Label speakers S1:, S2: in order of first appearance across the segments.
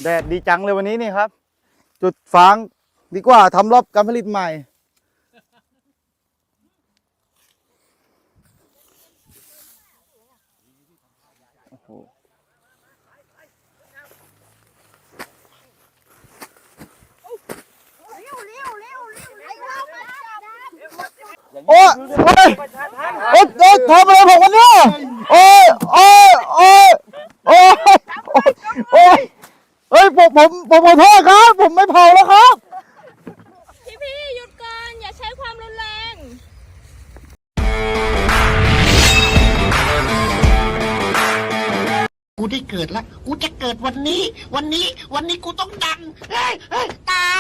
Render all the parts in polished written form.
S1: ดดดีจังเลยวันนี้นี่ครับจุดฟางดีกว่าทำรอบการผลิตใหม่โอ้ยโอ้ยโอ้ยทำอะไรผมวันนี้โอ้ยโอ้ยโอ้ยโอ้ยโอ้ยเฮ้ยผมขอโทษครับผมไม่เผาแล้วครับ
S2: พี่หยุดก่อนอย่าใช้ความรุนแรง
S3: กูได้เกิดแล้วกูจะเกิดวันนี้กูต้องดังตาย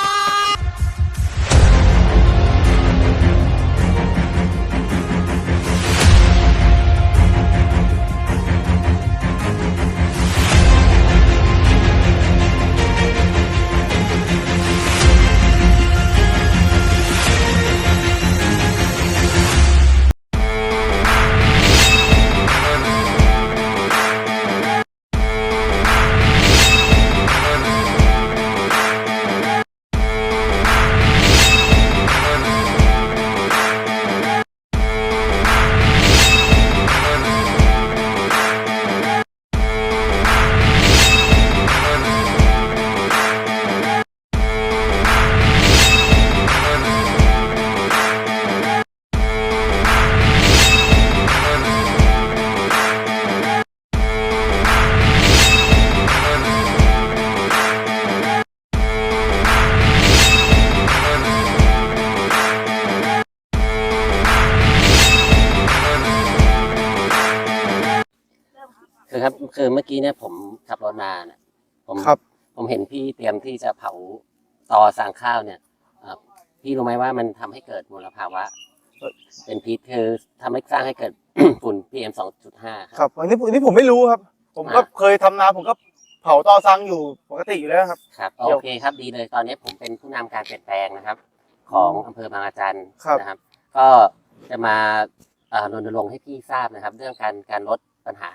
S4: คือเมื่อกี้เนี่ยผมขับรถมาเนี่ยผมเห็นพี่เตรียมที่จะเผาตอสางข้าวเนี่ยพี่รู้ไหมว่ามันทำให้เกิดมลภาวะเป็นพิษคือทำให้สร้างให้เกิด ฝุ่น PM 2.5
S1: ครับอันนี้ผมไม่รู้ครับผมก็เคยทำนาผมก็เผาตอซังอยู่ปกติอยู่แล้วครับ
S4: ครับโอเคครับดีเลยตอนนี้ผมเป็นผู้นำการเปลี่ยนแปลงนะครับของอำเภอบางอาจารย์นะครับก็จะมารณรงค์ให้พี่ทราบนะครับเรื่องการลดปัญหา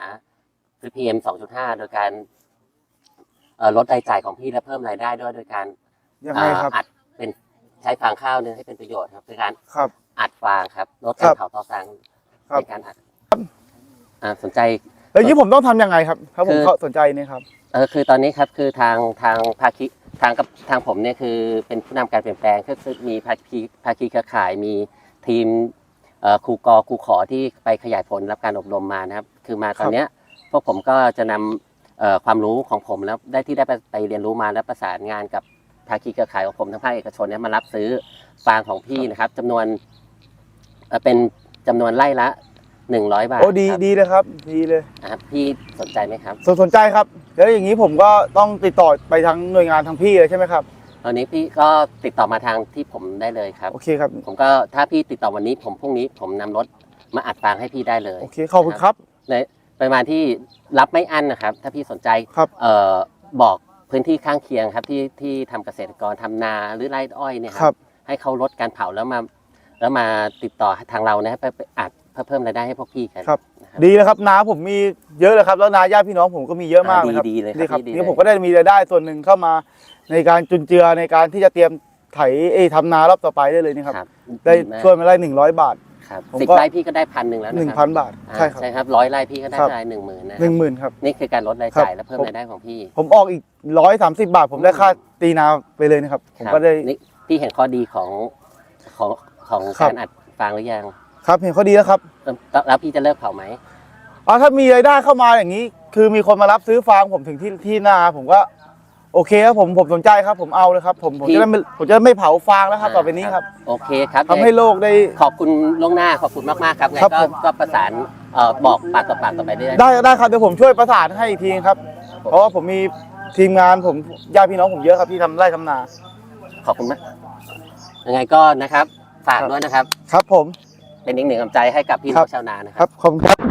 S4: PM 2.5 โดยการลดรายจ่ายของพี่และเพิ่มรายได้ด้วยโดยการอัดเป็นใช้ฟางข้าวเนี่ยให้เป็นประโยชน์ครับโดยการอัดฟางครับลดการเผาตอซังในการอัดสนใจ
S1: แล้วนี้ผมต้องทำยังไงครับถ้าผมสนใจนี่ครับ
S4: คือตอนนี้ครับคือทางภาคีทางผมเนี่ยคือเป็นผู้นำการเปลี่ยนแปลงก็คือมีภาคีเครือข่ายมีทีมครูขอที่ไปขยายผลรับการอบรมมานะครับคือมาตอนเนี้ยพวกผมก็จะนำความรู้ของผมแล้วได้ไปเรียนรู้มาแล้วประสานงานกับภาคีเครือข่ายของผมทั้งภาคเอกชนเนี่ยมารับซื้อฟางของพี่นะครับจำนวนเป็นจำนวนไร่ละ100 บาท
S1: โอ้ดีเลยครับดีเลย
S4: ครับพี่สนใจไหมครับ
S1: สนใจครับแล้วอย่างนี้ผมก็ต้องติดต่อไปทางหน่วยงานทางพี่เลยใช่ไหมครับ
S4: ตอนนี้พี่ก็ติดต่อมาทางที่ผมได้เลยครับ
S1: โอเคครับ
S4: ผมก็ถ้าพี่ติดต่อวันนี้พรุ่งนี้ผมนำรถมาอัดฟางให้พี่ได้เลย
S1: โอเคขอบคุณครับ
S4: ในประมาณที่รับไม่อั้นนะครับถ้าพี่สนใจบอกพื้นที่ข้างเคียงครับที่ทำเกษตรกรทำนาหรือไร่อ้อยเนี่ยครับให้เขาลดการเผาแล้วมาติดต่อทางเรานะไปอัดเพิ่มรายได้ให้พวกพี่
S1: ครับดีเลยครับนาผมมีเยอะเลยครับแล้วนาญาติพี่น้องผมก็มีเยอะมากเลยครับ
S4: ดีเลย
S1: ครับนี่ผมก็ได้มีรายได้ส่วนหนึ่งเข้ามาในการจุนเจือในการที่จะเตรียมไถทำนารอบต่อไปได้เลยนี่ครับได้ช่วยมาได้100 บาท
S4: ครับ10 ไร่พี่ก็ได้ 1,100แล้ว
S1: นะครับ1,000 บาท
S4: ใช่ครับ100 ไร่พี่ก็ได้ราย10,000นะ
S1: 10,000ครับ
S4: นี่คือการลดรายจ่ายและเพิ่มรายได้ของพี่
S1: ผมออกอีก130 บาทผมได้ค่าตีนาไปเลยนะครับผมก็ได้
S4: พี่เห็นข้อดีของการอัดฟางหรือยัง
S1: ครับเห็นข้อดีแล้วครับ
S4: แล้วพี่จะเลิกเผาไหม
S1: ถ้ามีรายได้เข้ามาอย่างนี้คือมีคนมารับซื้อฟางผมถึงที่นาผมก็โอเคครับผมสนใจครับผมเอาเลยครับผมจะไม่เผาฟางแล้วครับต่อไปนี้ครับ
S4: โอเคครับ
S1: ทำให้โลกได้
S4: ขอบคุณล่วงหน้าขอบคุณมากๆครับไงก็ประสานบอกปากต่อปากต่อไป
S1: ได้ครับเดี๋ยวผมช่วยประสานให้อีกทีครับเพราะว่าผมมีทีมงานผมญาติพี่น้องผมเยอะครับที่ทำไร่ทำนา
S4: ขอบคุณมากยังไงก็นะครับฝากด้วยนะครับ
S1: ครับผม
S4: เป็นอีกหนึ่งกำลังใจให้กับพี่น้องชาวนานะครับ
S1: ขอบคุณครับ